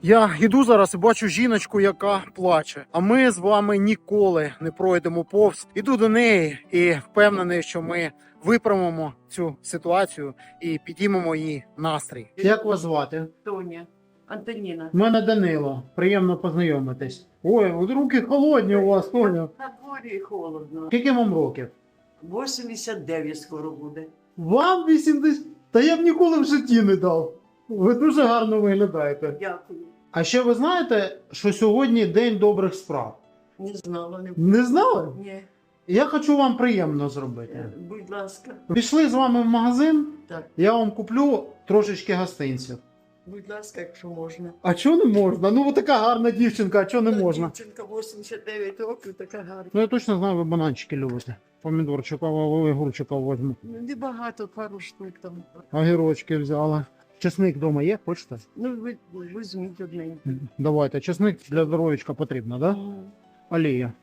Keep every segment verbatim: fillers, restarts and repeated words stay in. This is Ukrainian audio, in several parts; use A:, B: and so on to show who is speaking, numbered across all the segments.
A: Я йду зараз і бачу жіночку, яка плаче. А ми з вами ніколи не пройдемо повз. Іду до неї і впевнений, що ми виправимо цю ситуацію і підіймемо її настрій. Як вас звати?
B: Тоня, Антоніна.
A: У мене Данило. Приємно познайомитись. Ой, от руки холодні у вас, Тоня.
B: На дворі холодно.
A: Скільки вам років?
B: вісімдесят дев'ять скоро буде.
A: Вам вісімдесят? Та я б ніколи в житті не дав. Ви дуже гарно виглядаєте.
B: Дякую.
A: А ще ви знаєте, що сьогодні День добрих справ?
B: Не знала, не
A: Не знали?
B: Ні.
A: Я хочу вам приємно зробити.
B: Будь ласка.
A: Пішли з вами в магазин,
B: Так.
A: я вам куплю трошечки гостинців.
B: Будь ласка, якщо можна.
A: А чого не можна? Ну ви така гарна дівчинка, а чого не можна?
B: Дівчинка вісімдесят дев'ять років, така гарна.
A: Ну я точно знаю, ви бананчики любите. Помідорчика, огурчика візьму.
B: Ну, небагато, пару штук там.
A: Огірочки взяла. Чесник вдома є, хочете?
B: Ну, ви, візьміть одненький.
A: Давайте, чесник для здоров'ячка потрібно, так? Да?
B: Мгм.
A: Олія.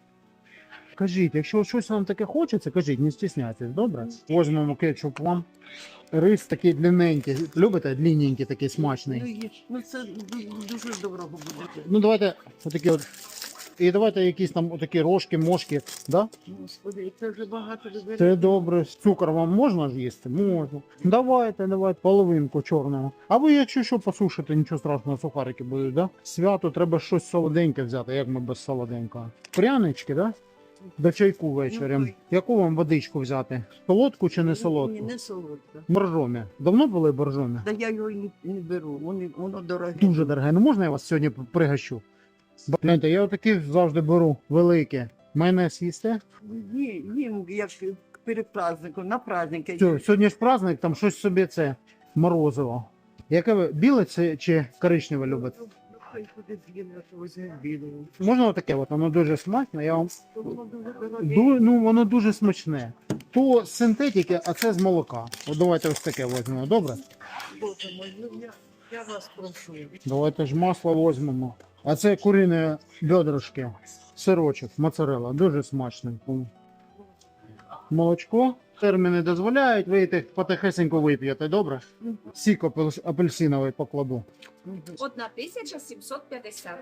A: Кажіть, якщо щось вам таке хочеться, кажіть, не стісняйтесь, добре? Візьмемо кетчуп вам. Рис такий длинненький. Любите? Длинненький, такий смачний.
B: Ну, є. Ну, це ду- дуже доброго буде.
A: Ну давайте отакі от. І давайте якісь там отакі рожки, мошки, да?
B: Господи, це вже багато людей.
A: Це добре. Цукор вам можна ж їсти? Можна. Давайте, давайте половинку чорного. А ви, якщо що посушите, нічого страшного, сухарики будуть, да? Свято треба щось солоденьке взяти, як ми без солоденького. Прянички, да? До чайку ввечері.
B: Ну,
A: Яку вам водичку взяти? Солодку чи не
B: Ні,
A: солодку?
B: не солодка.
A: Боржомі. Давно були боржомі?
B: Та я його і не, не беру, воно, воно дороге.
A: Дуже дороге. Ну можна я вас сьогодні пригощу? Гляньте, я отакі завжди беру великі. Майонез їсте?
B: Ні, ні, як перед праздником, на праздники.
A: Все, сьогодні ж праздник, там щось собі це морозиво. Яке ви біле це чи коричневе любите?
B: Ну, хай буде біле, то візьме біле.
A: Можна отаке, от, воно дуже смачне, я вам.
B: Воно дуже дороге.
A: Ду- ну воно дуже смачне. То з синтетики, а це з молока. От давайте ось таке візьмемо, добре?
B: Боже мой, ну я, я вас прошу.
A: Давайте ж масло візьмемо. А це курині бедрышки, сирочок, моцарелла, дуже смачний. Молочко. Терміни дозволяють, ви їх потихесенько вип'єте, добре? Сік апель- апельсиновий покладу.
C: Одна тисяча сімсот п'ятдесят.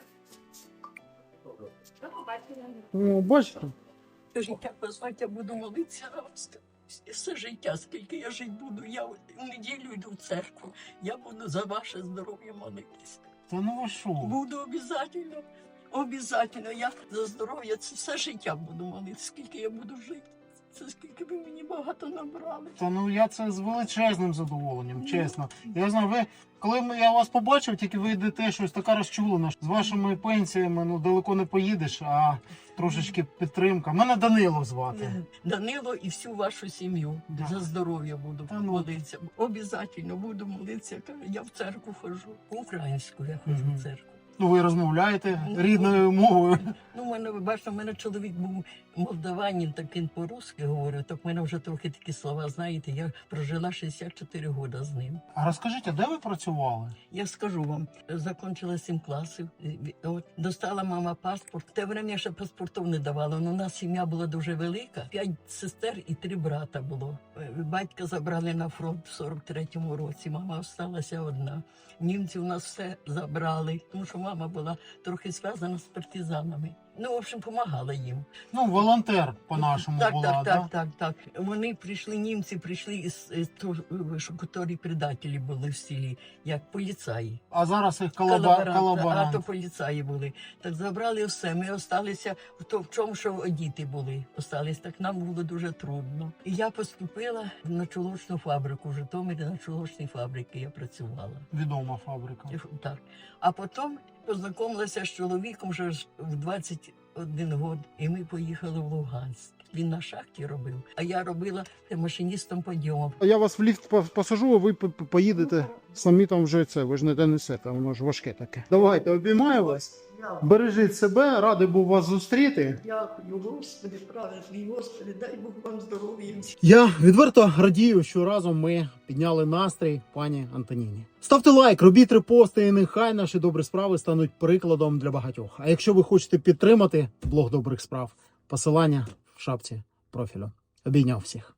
C: До побачення.
A: О, бачите?
D: Життя позвати, я буду молитися на вас. Все життя, скільки я жити буду, я в неділю йду в церкву, я буду за ваше здоров'я молитися.
A: Та ну ви що?
D: Буду обов'язково, обов'язково, я за здоров'я це все життя буду молитися, скільки я буду жити. Це скільки ви мені багато набрали.
A: Та ну я це з величезним задоволенням, чесно. Я знаю, ви, коли ми- я вас побачив, тільки ви йдете щось така розчулена. З вашими пенсіями ну далеко не поїдеш, а трошечки підтримка. Мене Данило звати.
D: Данило і всю вашу сім'ю
A: Да.
D: за здоров'я буду
A: Та ну.
D: молитися. Обов'язково буду молитися. Я в церкву ходжу. Українську я ходжу
A: Мгм.
D: в церкву.
A: Ну ви розмовляєте рідною мовою.
D: Ну, у мене, ви бачите, у мене чоловік був молдаванин, так він по-русски говорив, так в мене вже трохи такі слова, знаєте, я прожила шістдесят чотири роки з ним.
A: А розкажіть, а де ви працювали?
D: Я скажу вам, закончила сім класів, і- от, достала мама паспорт. В те время ще паспортів не давала, але у нас сім'я була дуже велика, п'ять сестер і три брата було. Е, Батька забрали на фронт в сорок третьому році, мама залишилася одна. Німці у нас все забрали, тому що мама була трохи зв'язана з партизанами. Ну, в общем, допомагала їм.
A: Ну, волонтер по-нашому
D: Так,
A: була,
D: так,
A: да?
D: так, так, так. Вони прийшли, німці прийшли із, із то, що котрі предателі були в селі, як поліцаї.
A: А зараз їх колаба...
D: Колаборанти, а
A: колаборант.
D: то поліцаї були. Так забрали все. Ми осталися в то, в чому, що діти були. Остались. Так нам було дуже трудно. І я поступила на чолочну фабрику. В Житомирі на чолочній фабриці я працювала.
A: Відома фабрика.
D: Так. А потім познайомилася з чоловіком вже ж в двадцять один год, і ми поїхали в Луганськ. Він на шахті робив, а я робила машиністом підйому.
A: Я вас в ліфт по- посажу, а ви по- по- поїдете самі там вже це, ви ж не донесете, воно ж важке таке. Давайте, обіймаю вас. Бережіть себе, радий був вас зустріти.
B: Дякую, Господи, правильний, Господи, дай Бог вам здоров'я.
A: Я відверто радію, що разом ми підняли настрій пані Антоніні. Ставте лайк, робіть репости, і нехай наші добрі справи стануть прикладом для багатьох. А якщо ви хочете підтримати блог добрих справ, посилання в шапці профілю. Обійняв всіх.